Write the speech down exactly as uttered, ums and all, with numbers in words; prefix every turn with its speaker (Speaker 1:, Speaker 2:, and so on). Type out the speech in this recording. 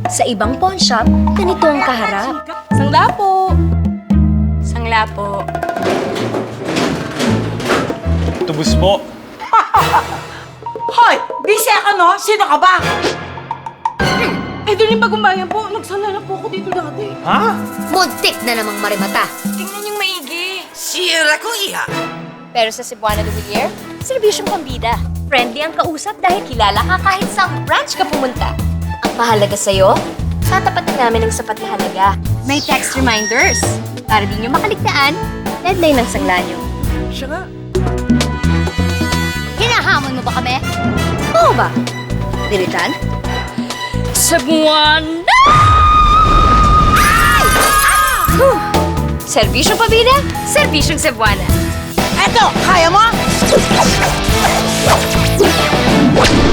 Speaker 1: Sa ibang pawn shop, ganito ang kaharap.
Speaker 2: Sangla po. Sangla po.
Speaker 3: Tubos po.
Speaker 4: Hoy! Busy ka, no? Sino ka ba?
Speaker 2: Eh, doon yung bagumbayan po. Nagsala na po ako dito dati.
Speaker 3: Ha?
Speaker 1: Muntik na namang marimata.
Speaker 2: Tingnan yung maigi.
Speaker 4: Sira ko, iha.
Speaker 1: Pero sa Cebuana de Villar, serbisyong pambida. Friendly ang kausap dahil kilala ka kahit sa branch ka pumunta. Ang mahalaga sa'yo, tatapatan namin ng sapat na halaga. May text reminders. Para di nyo makaligtaan, deadline ng sangla nyo.
Speaker 4: Siya nga.
Speaker 1: Hinahamon mo ba kami? Oo ba? Dilitan? Cebuana! Ay! Huh. Serbisyong pabida, serbisyong Cebuana.
Speaker 4: Eto, kaya mo?